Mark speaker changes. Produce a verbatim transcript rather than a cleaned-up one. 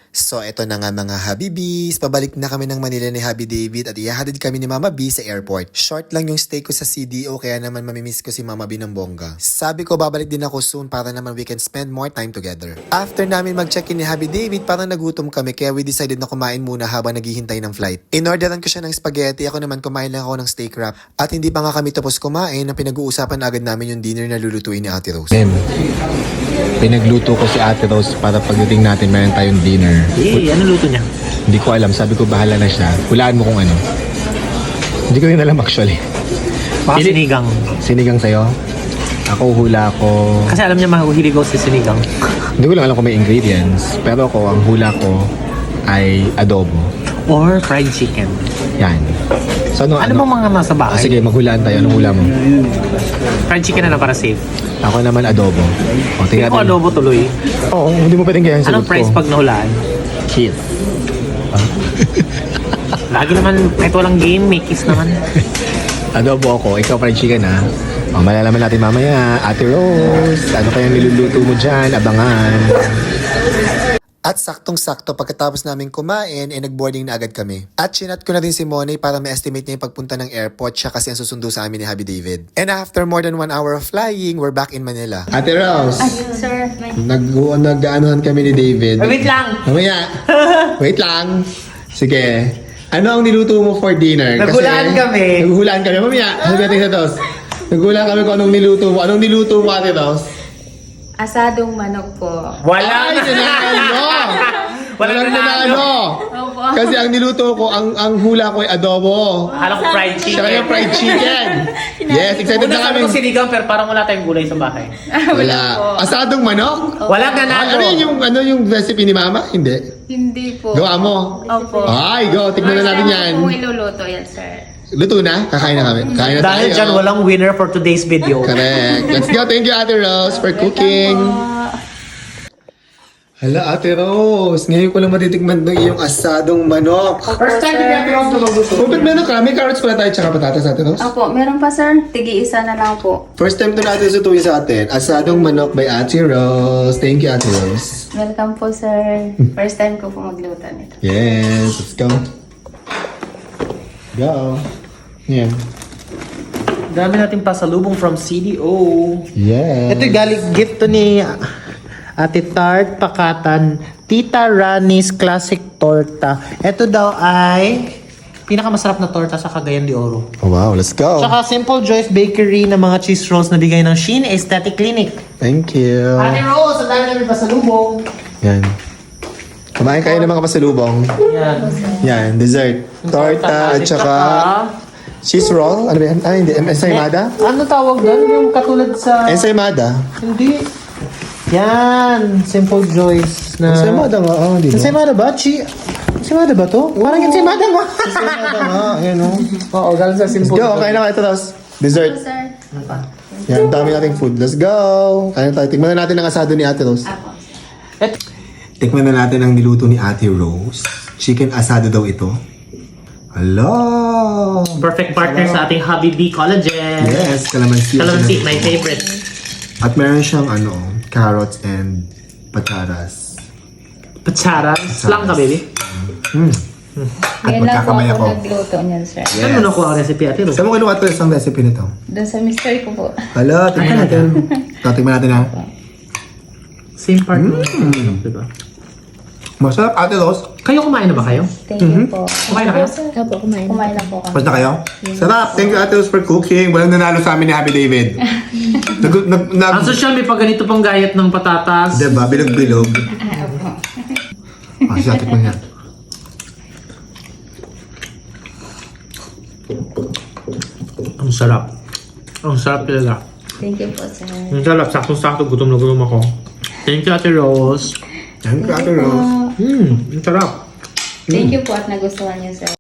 Speaker 1: So eto na nga mga Habibis, pabalik na kami ng Manila ni Habi David at ihahatid kami ni Mama B sa airport. Short lang yung stay ko sa C D O kaya naman mamimiss ko si Mama B ng bongga. Sabi ko babalik din ako soon para naman we can spend more time together. After namin mag-check-in ni Habi David, parang nagutom kami kaya we decided na kumain muna habang naghihintay ng flight. Inorderan ko siya ng spaghetti, ako naman kumain lang ako ng steak wrap. At hindi pa nga kami tapos kumain na pinag-uusapan na agad namin yung dinner na lulutuin ni Ate Rose.
Speaker 2: Em, pinagluto ko si Ate Rose para pagdating natin meron tayong dinner.
Speaker 3: Eh, ano luto niya?
Speaker 2: Hindi ko alam, sabi ko bahala na siya. Hulaan mo kung ano. Hindi ko rin alam actually.
Speaker 3: Baka
Speaker 2: Pili-
Speaker 3: sinigang.
Speaker 2: Sinigang sa'yo? Ako hula ko.
Speaker 3: Kasi alam niya mahuhilig ako sa sinigang.
Speaker 2: Hindi ko lang alam kung may ingredients. Pero ako, ang hula ko ay adobo.
Speaker 3: Or fried chicken.
Speaker 2: Yan. So ano,
Speaker 3: Ano bang mga nasa
Speaker 2: Ah,
Speaker 3: bahay?
Speaker 2: sige, maghulaan tayo. Anong hula mo?
Speaker 3: Fried chicken na lang para safe.
Speaker 2: Ako naman adobo. O, tingnan
Speaker 3: Ako
Speaker 2: natin.
Speaker 3: adobo tuloy.
Speaker 2: Oo, hindi mo pwedeng kaya yung
Speaker 3: Anong
Speaker 2: sagot
Speaker 3: price
Speaker 2: ko.
Speaker 3: pag nahulaan?
Speaker 2: Kiss.
Speaker 3: Lagi naman, kahit walang game, may kiss naman.
Speaker 2: Adobo ako, ikaw fried chicken ha. O, malalaman natin mamaya, Ate Rose, ano kayang niluluto mo dyan? Abangan.
Speaker 1: At saktong-sakto pagkatapos namin kumain, eh nag-boarding na agad kami. At chinat ko na din si Monay para ma-estimate niya yung pagpunta ng airport siya kasi ang susundo sa amin ni Habi David. And after more than one hour of flying, we're back in Manila. Ate Rose,
Speaker 4: Ayun, sir. May...
Speaker 1: nag nag-aanohan kami ni David.
Speaker 3: Ay, wait lang!
Speaker 1: Mamaya, wait lang. Sige. Ano ang niluto mo for dinner?
Speaker 3: Naghulaan kami.
Speaker 1: Naghulaan kami. Mamaya, sabi natin sa Tos. Naghulaan kami kung anong niluto mo. Anong niluto mo, Ate Tos?
Speaker 4: Asadong manok po.
Speaker 3: Wala
Speaker 1: Ay, nanalo!
Speaker 3: Walang
Speaker 1: Walang
Speaker 3: nanalo.
Speaker 1: nanalo!
Speaker 4: Opo.
Speaker 1: Kasi ang niluto ko, ang ang hula ko ay adobo.
Speaker 3: Alam ko fried
Speaker 1: Siya
Speaker 3: chicken.
Speaker 1: kaya fried chicken. Yes, excited
Speaker 3: Una
Speaker 1: na
Speaker 3: sabi
Speaker 1: kami.
Speaker 3: ko sinigang pero parang wala tayong gulay sa bahay.
Speaker 1: Wala. Asadong manok?
Speaker 3: Walang
Speaker 1: Ay,
Speaker 3: nanalo.
Speaker 1: ano yun yung, ano yung recipe ni Mama? Hindi.
Speaker 4: Hindi po.
Speaker 1: Gawa mo.
Speaker 4: Opo.
Speaker 1: Ay, go. Tignan na natin yan.
Speaker 4: Kung iluluto yan, sir.
Speaker 1: Luto na? Kakain na kami. Kain na
Speaker 3: Dahil
Speaker 1: tayo.
Speaker 3: dyan, walang winner for today's video.
Speaker 1: Correct. Let's go. Thank you, Ate Rose, for cooking. Hala, Ate Rose. Ngayon ko lang matitikman ng iyong asadong manok.
Speaker 3: First time ni Ate Rose lumuluto.
Speaker 1: Open meron ka. May carrots pala tayo tsaka patatas, Ate Rose.
Speaker 4: Opo, meron pa, sir. Tigi-isa na lang po.
Speaker 1: First time to natin sutuin sa atin. Asadong manok by Ate Rose. Thank you, Ate Rose.
Speaker 4: Welcome po, sir. First time ko po magluto nito.
Speaker 1: Yes, let's go. Go. Yan.
Speaker 3: Dami natin pasalubong from C D O.
Speaker 1: Yes.
Speaker 3: Ito yung galing gift to ni Ate Tart Pakatan, Tita Rani's Classic Torta. Ito daw ay pinakamasarap na torta sa Cagayan de Oro.
Speaker 1: Oh, wow, let's go.
Speaker 3: Tsaka Simple Joy's Bakery na mga cheese rolls na bigay ng Sheen Aesthetic Clinic.
Speaker 1: Thank you.
Speaker 3: Ate Rose, ang dami namin pasalubong.
Speaker 1: Yan. Kumain kayo ng mga pasalubong.
Speaker 3: Yan.
Speaker 1: Yan, dessert. Torta at saka cheese roll. Ano ba yan? Ah, hindi. Ensaymada?
Speaker 3: Ano tawag doon? Yung katulad sa...
Speaker 1: Ensaymada?
Speaker 3: Hindi. Yan. Simple Joy's na...
Speaker 1: Ensaymada nga, oh, di ba?
Speaker 3: Ensaymada ba? Chi... Ensaymada ba to? Parang ensaymada nga.
Speaker 1: Ensaymada nga, ayan o.
Speaker 3: Oo, galing sa
Speaker 1: Let's
Speaker 3: Simple
Speaker 1: go, kain na kayo ito, Tos. Dessert.
Speaker 4: sir.
Speaker 1: Yan, dami nating food. Let's go. Kain tayo. Tingnan na natin ang asado ni Ate Rose.
Speaker 4: Apo.
Speaker 1: Tikman na natin ang niluto ni Ate Rose. Chicken asado daw ito. Hello!
Speaker 3: Perfect partner sa ating Hobby B Collagen.
Speaker 1: Yes, kalamansi.
Speaker 3: Calamansi, my favorite.
Speaker 1: At meron siyang ano, carrots and patatas.
Speaker 3: Pacharas. Lang ka, baby.
Speaker 1: Hmm. At
Speaker 4: Ngayon lang po
Speaker 1: magkakamay
Speaker 4: ako
Speaker 1: ako.
Speaker 4: nagluto niyan, sir.
Speaker 3: Saan mo nakuha ang recipe, Ate Rose?
Speaker 1: Saan mo kinuha ito isang recipe nito?
Speaker 4: Doon sa mister ko po.
Speaker 1: Hala, tingnan natin. Tatingnan natin ha.
Speaker 3: Same partner. Mm. Diba?
Speaker 1: Masarap, Ate Rose.
Speaker 3: Kayo kumain na ba kayo?
Speaker 4: Thank you po.
Speaker 3: Kumain na kayo?
Speaker 4: Opo, kumain. Kumain na po kami.
Speaker 1: Basta kayo? Sarap. Thank you, Ate Rose, for cooking. Walang nanalo sa amin ni Happy David. nag, nag, nag,
Speaker 3: Ang social may pag ganito pang gayat ng patatas.
Speaker 1: diba? Bilog-bilog. Ah, siya, tikman niya.
Speaker 3: Ang sarap. Ang sarap talaga.
Speaker 4: Thank you po, sir.
Speaker 3: Ang sarap. Sakto-sakto. Gutom na gutom ako. Thank you, Ate Rose.
Speaker 1: Thank you, Ate Rose.
Speaker 3: Hmm, ang sarap.
Speaker 4: Thank you po at nagustuhan niyo, sir.